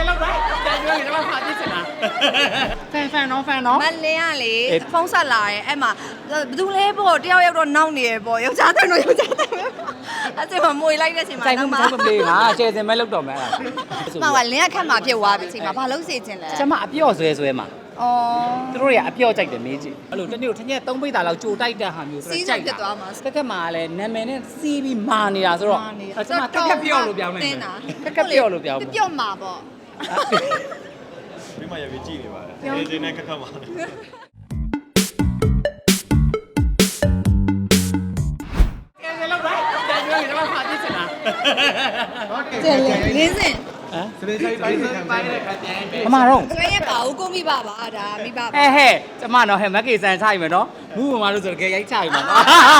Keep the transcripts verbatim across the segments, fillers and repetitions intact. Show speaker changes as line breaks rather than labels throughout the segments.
တယ်လောက်တော့ကြာကျွေးနေတော့ဖာကြည့်ချင်လားဖန်ဖန်နော်ဖန်နော်
မလင်းကလေဖုန်းဆက်လာရဲ့အဲ့မှာဘယ်သူလဲပေါ့တယောက်ယောက်တော့နောက်နေရပေါ့ယောက်ျားတဲ့တော့ယောက်ျားတဲ့အဲ့ဒီမှာမွေလိုက်တဲ့အချိန်မှာ
တော့မှာမလေးငါကျဲစင်မဲလောက်တော့မယ်အဲ့ဒါ
မှကလင်းကခက်မှာဖြစ်သွားပြီအချိန်မှာဘာလို့စေချင်လဲ
ကျမအပြော့ဆွဲဆွဲမှာ
အော်
သူတို့တွေကအပြော့ကြိုက်တယ်မင်းကြီးအဲ့လိုတနေ့ကိုထညက်သုံးပိတ်တာလောက်ကြိုတိုက်တဲ့ဟာမျိုးဆိုတော့ကြိုက်တာတက်ကက်မှာလည်းနာမည်နဲ့စီးပြီးမာနေတာဆိုတော့အဲ့ကျမတက်ကက်ပြော့လို့ပြောင်းလိုက်တယ်တက်ကက်ပြော့လို့ပြောင်း
ပြော့မှာပေါ့
မိမရပြီးကြည့်နေပါတယ်ဒီနေ့ခက်ခက်ပါ
ကျဲလင်းစင်
ဟမ်
စပင်းဆိုင်ပိုင်းပိုင်းတဲ့ခါပြန်ပဲ
အမတော့
ကျွေးရပါဦးကိုမိပါပါဒါမိပါပါ
ဟဲ့ဟဲ့ကျမတော့ဟဲ့မက်ကေဆန်ချိုက်မယ်နော်မူးမမလို့ဆိုတော့ကြဲရိုက်ချိုက်မှာ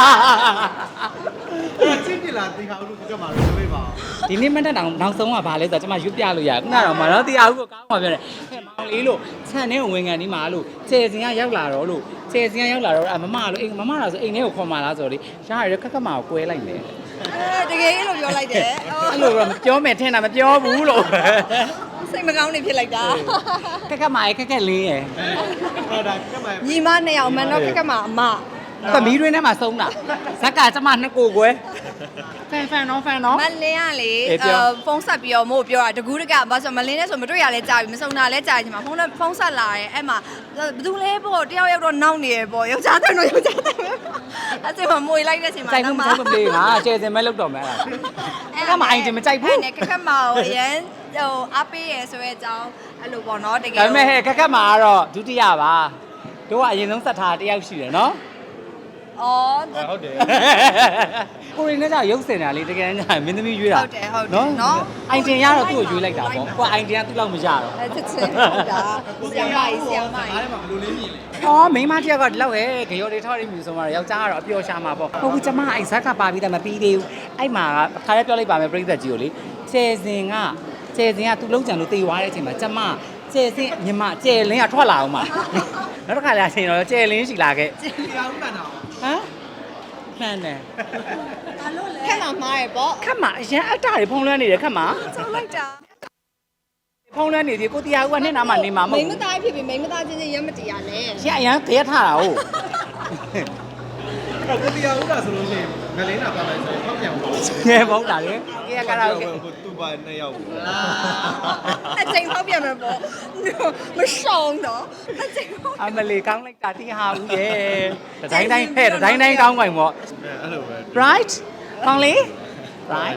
အဲ့ချင်းပြလာတီခါဦးလို့ကြက်မှာလို့ပြောပါ
ဒီနေ့မတက်တောင်နောက်ဆုံးကဘာလဲဆိုတော့ကျမရွတ်ပြလို့ရခုနကတော့မတော့တရားဦးကိုကောင်းပါပြောတယ်ဟဲ့မောင်လေးလို့ဆန်နဲ့ဝင်ကန်ဒီမှာလို့ကျဲစင်ကရောက်လာတော့လို့ကျဲစင်ကရောက်လာတော့အမမလို့အိမ်မမလားဆိုအိမ်ထဲကိုခေါ်มาလားဆိုတော့လေရှားရခက်ခက်မှာကိုကွဲလိုက်တယ်
တကယ်လို့ပြောလိုက်တယ်
အဲ့လိုတော့မပြောမယ်ထင်တာမပြောဘူးလို့
စိတ်မကောင်းနေဖြစ်လိုက်တာ
ခက်ခက်မှာခက်ခက်လေးရယ်
ဟုတ်တာခက်မှာ
ညီမနှစ်ယောက်မှန်တော့ခက်ခက်မှာအမ
သမီးတွင်းထဲမှာဆုံးတာဇက်ကကျမနှစ်ကိုကွယ်ဖန်ဖန်နော်ဖန်နော်
မလင်းကလေဖုန်းဆက်ပြီးတော့မို့ပြောတာတကူးတကဘာဆိုမလင်းနဲ့ဆိုမတွေ့ရလဲကြာပြီမစုံတာလဲကြာပြီချိန်မှာဖုန်းဖုန်းဆက်လာရဲ့အဲ့မှာဘယ်သူလဲပေါ့တယောက်ယောက်တော့နောက်နေရပေါ့ယောက်ျားတဲ့တော့ယောက်ျားတဲ့အဲ့ဒီမှာမွေလိုက်တဲ့အချိန်မှာ
တော့မမလေးငါကျဲစင်မဲလောက်တော့မယ်အဲ့ဒါကမအိုင်တင်မကြိုက်ဘူး
နဲ့ခက်ခက်မှာအရင်ဟိုအပေးရဆိုတဲ့အကြောင်းအဲ့လိုပေါ့နော်တကယ်
ဒါပေမဲ့ဟဲ့ခက်ခက်မှာကတော့ဒုတိယပါတို့ကအရင်ဆုံးဆက်ထားတယောက်ရှိတယ်နော်
အော်
ဟုတ်တယ်
ကိုရင်းနဲ့ကြောက်ရုပ်စင်တာလေတကယ်တမ်းမင်းသမီးရွေးတာ
ဟုတ်တယ်ဟုတ်တယ်နော်
အိုင်တင်ရတော့သူ့ကိုရွေးလိုက်တာပေါ့ကိုအိုင်တင်ကသူ့လောက်မရတော့
အဲချက်ချင်းဟုတ်တာဆီယမ်မိုင်ဆီယမ်မိုင်
အားထဲမှာဘယ်လိုလေးမြင်လဲ
အော်မိန်းမတယောက်ကဒီလောက်ဟဲ့ဂရော်တွေထောက်ရမြူဆိုမှယောက်ျားကတော့အပျော်ရှာမှာပေါ့ဟုတ်ဘူးကျမအိုက်ဇက်ကပါပြီးတယ်မပြီးသေးဘူးအဲ့မှာခါရဲပြောလိုက်ပါမယ်ပြိသက်ကြီးကိုလေကျဲစင်ကကျဲစင်ကသူ့လုံးကြံလို့တေသွားတဲ့အချိန်မှာကျမကျဲစင်ညီမကျဲလင်းကထွက်လာအောင်မှာနောက်တစ်ခါလာချိန်တော့ကျဲလင်းရှိလာခဲ့
ကျဲတရားဦးကန်တော့
ဟမ်မှန်တယ်
ဘာလို့လဲခက်မှာမှားရပေါ့
ခက်မှာအရင်အတ္တတွေဖုံးလွှမ်းနေတယ်ခက်မှာ
ဆောက်လိုက်တာ
ဖုံးလွှမ်းနေသေးကိုတရားဦးကနှစ်နာမှနေမှာမဟုတ်
ဘူးမိမသားဖြစ်ပြီးမိမသားချင်းချင်းရမတရားလဲ
ရအရင်ကြရထားတာဟုတ်
အဲ့ကိုတရားဦးကဆိုလို့ရှိရင်ငလင်းတာပါလိုက်ဆိုရင်ဖောက်ပြန်ဘူး
ငယ်ပေါ့တာလေကြရကရာကို
သူ့ပါနှစ်ယောက်
အချိန်ဖောက်ပြန်မှာပေါ့မရှောင်းတော့အချိန်
အမလီကောင်းလိုက်တာတိဟာဦးရဲ့တတိုင်းတိုင်းဖဲ့တတိုင်းတိုင်းကောင်းကြိုင်ပေါ့
အဲ့လိုပဲ
right ကောင်းလေ right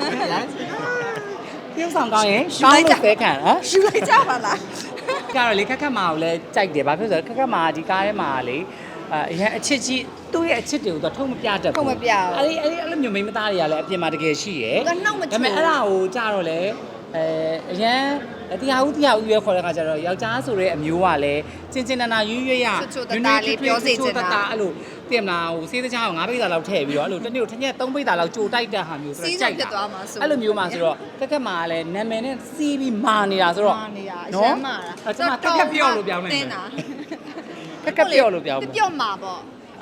ပြုံးဆောင်ကောင်းရင်ရှောင်းလို့ပဲခံဟမ်
ရှူလိုက်ကြပါလား
ကြတော့လေခက်ခက်မာကိုလည်းကြိုက်တယ်ဘာဖြစ်လို့ဆိုတော့ခက်ခက်မာဒီကားထဲမှာလေအရင်အချစ်ကြီးသူ့ရဲ့အချစ်တွေကိုတော့ထုံမပြတတ်ဘူး
ထုံမပြဘူး
အဲ့ဒီအဲ့ဒီအဲ့လိုမျိုးမိန်းမသားတွေကလည်းအပြင်မှာတကယ်ရှိရယ်
ဒါနှောက်မချူ
ဒါပေမဲ့အဲ့ဒါကိုကြတော့လေအဲအရင်တရားဦးတရားဦးရွေးခေါ်တဲ့ခါကျတော့ယောက်ျားဆိုတဲ့အမျိုးကလည်းချင်းချင်းနာနာရွရွရရ
ချွတ်တာလေးပြောစေချင်တာ
အဲ့လိုသိမလားဟိုစေးတချောင်းငါးပိတ်တာလောက်ထည့်ပြီးတော့အဲ့လိုတစ်နေ့ကိုထညက်သုံးပိတ်တာလောက်ကြိုတိုက်တဲ့ဟာမျိုးဆိုတော့ကြိုက်တာအဲ့လိုမျိုးမှာဆိုတော့ကက်ကက်မှာလည်းနာမည်နဲ့စီးပြီးမာနေတာဆိုတော့
မာနေတာအရှမ်းမာတာ
အဲ့ကျွန်မကက်ကက်ပြော့လို့ပြောင်းလိုက်ကက်ကက်ပြော့လို့ပြောင်း
ပြော့မှာပေါ့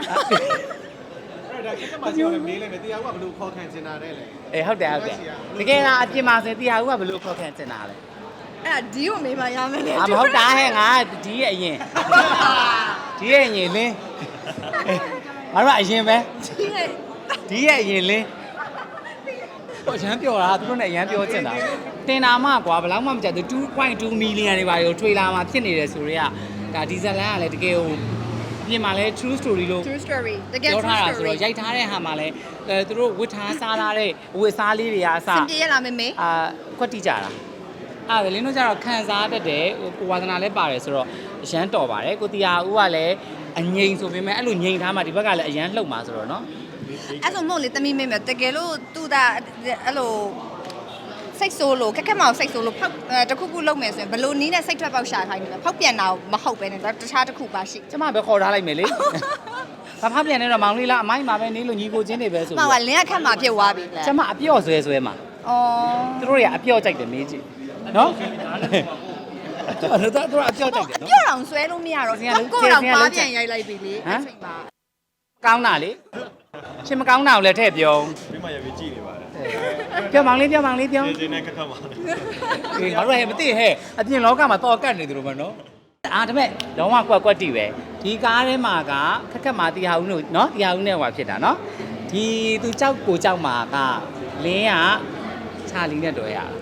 အဲ့ဒါကမှဆိုရင်မေးလိုက်မယ်တရားဦးကဘယ်လိုခေါ်ခံချင်တာလဲလေ
အေးဟုတ်တယ်ဟုတ်တယ်တကယ်လားအပြင်မှာဆိုတရားဦးကဘယ်လိုခေါ်ခံချင်တာလဲ
အဲ့ဒါဒီကိုမေးမှရမယ်လေ
အမဟုတ်တာဟဲ့ငါဒီရဲ့အရင်ဒီရဲ့အရင်လင်းငါတို့အရင်ပဲဒီရဲ့အရင်လင်းဟိုရမ်းပြောတာသူတို့နဲ့ရမ်းပြောချင်တာတင်တာမှကွာဘယ်လောက်မှမကြက်သူ two point two million တွေပါရောထွေလာမှာဖြစ်နေတယ်ဆိုတော့ဒါဒီဇလန်ကလည်းတကယ်ဟိုပြင်မှာလဲ true story လို့
true story တကယ်
true story ဆိုတော့ရိုက်ထားတဲ့ဟာမှာလဲအဲသူတို့ဝတ်ထားစားထားတဲ့ဝတ်စားလေးတွေအားစ
စင်ပြေရလားမေမေ
အာကွက်တိကြတာအဲ့ဒါလင်းတို့ကျတော့ခံစားတတ်တယ်ကိုဝါသနာလည်းပါတယ်ဆိုတော့အရန်တော်ပါတယ်ကိုတီယာဦးကလည်းအငိမ်ဆိုပေမဲ့အဲ့လိုငိမ်ထားမှဒီဘက်ကလည်းအရန်လှုပ်မှာဆိုတော့เนาะ
အဲ့ဆိုမို့လေတမီမေမေတကယ်လို့သူတာအဲ့လိုစိတ်ဆိုးလို့ခက်ခက်မအောင်စိတ်ဆိုးလို့ဖောက်တခုခုလုပ်မယ်ဆိုရင်ဘလို့နီးနဲ့စိတ်ထွက်ပေါက်ရှာခိုင်းတယ်ဖောက်ပြန်တာမဟုတ်ပဲနဲ့တခြားတစ်ခုပါရှိ
ကျမပဲခေါ်ထားလိုက်မယ်လေဘာဖောက်ပြန်နေတော့မောင်လေးလားအမိုင်းမှာပဲနေလို့ညီကိုချင်းတွေပဲဆို
မှန်ပါလင်းကခက်မှာဖြစ်သွားပြီလေ
ကျမအပြော့ဆွဲဆွဲမှာ
အော်
သူတို့တွေကအပြော့ကြိုက်တယ်မင်းကြီးနော်အဲ့ဒါတော့အပြော့ကြိုက်တယ်နော်
အပြော့အောင်ဆွဲလို့မရတော့ကိုတော့ပါပြန်ရိုက်လိုက်ပြီလေအဲ့ချိန်မှာ
ကောင်းတာလေရှင်မကောင်းတာကိုလည်းထည့်ပြော
မိမရပြီးကြည့်နေပါတယ်
ပြောမောင်လေးပြောမောင်လေးပြော
ဒီနေ့ခက်ခက်ပါလေ
အေးငါတို့ဟဲ့မသိဟဲ့အပြင်လောကမှာတော့ကတ်နေသူတို့ပဲနော်အာဒါပေမဲ့လုံးဝကွက်ကွက်တီပဲဒီကားထဲမှာကခက်ခက်မှာတရားဦးလို့နော်တရားဦးနဲ့ဟွာဖြစ်တာနော်ဒီသူကြောက်ကိုကြောက်မှာကလင်းကချာလီနဲ့တွေ့ရတာ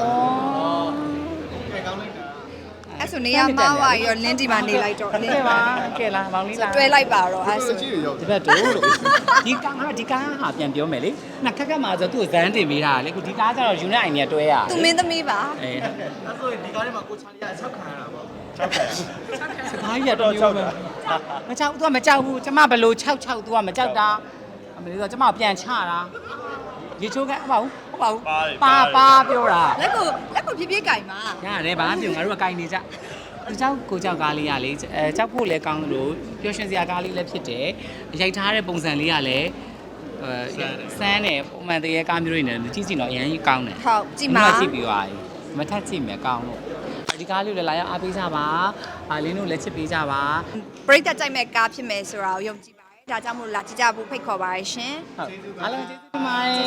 ကဲကောင်းလိုက်တာ
အဲ့ဆိုနေရမဝါရောလင်းဒီမှာနေလိုက်တော့
ကဲပါကဲလားမောင်လေးလား
တွဲလိုက်ပါတော့အဲ့ဆို
ကြည့်ရရောက်
ဒီဘက်တို့လို့ဒီကားကဒီကားဟာပြန်ပြောမယ်လေနှစ်ခက်ခက်မှာဆိုသူ့ကိုဇန်းတင်ပေးတာလေခုဒီကားကျတော့ယူနိုက်အိုင်နဲ့တွဲရ
သူမင်းသမီးပါ
အေး
အဲ့ဆိုရင်ဒီကားထဲမှာကိုချာလီကအချက်ခံရတာပေါ့ချက်ခံ
စကားကြီးကတော့ကြောက်တယ်မကြောက်သူကမကြောက်ဘူးကျမဘလို့၆၆သူကမကြောက်တာအမေဆိုကျမပြန်ချတာရေချိုးကဟုတ်ပါဘူးဟုတ်ပါဘူးပါပါပြောတာ
လက်ကိုလက်ကိုပြပြကြိုင်ပါ
ရတယ်ဘာမှပြောငါတို့ကကြိုင်နေကြသူကြောက်ကိုကြောက်ကားလေးကလေအဲကြောက်ဖို့လည်းကောင်းလို့ပျော်ရွှင်စရာကားလေးလည်းဖြစ်တယ်ရိုက်ထားတဲ့ပုံစံလေးကလည်းအဲစမ်းတယ်ပုံမှန်တရေကားမျိုးတွေနဲ့ကြည့်ကြည့်တော့အရင်ကြီးကောင်းတယ်
ဟုတ်ကြည့်ပါ
ကြည့်ပြီးသွားပြီမထက်ကြည့်မယ်ကောင်းလို့ဒီကားလေးလည်းလာရအားပေးကြပါအာလင်းတို့လည်းချစ်ပေးကြပါ
ပရိသတ်ကြိုက်မဲ့ကားဖြစ်မယ်ဆိုတာကိုယုံကြည်ပါတယ်ဒါကြောင့်မို့လာကြည့်ကြဖို့ဖိတ်ခေါ်ပါရရှင်
ဟုတ်အားလုံးကျေးဇူးတင်ပါတယ်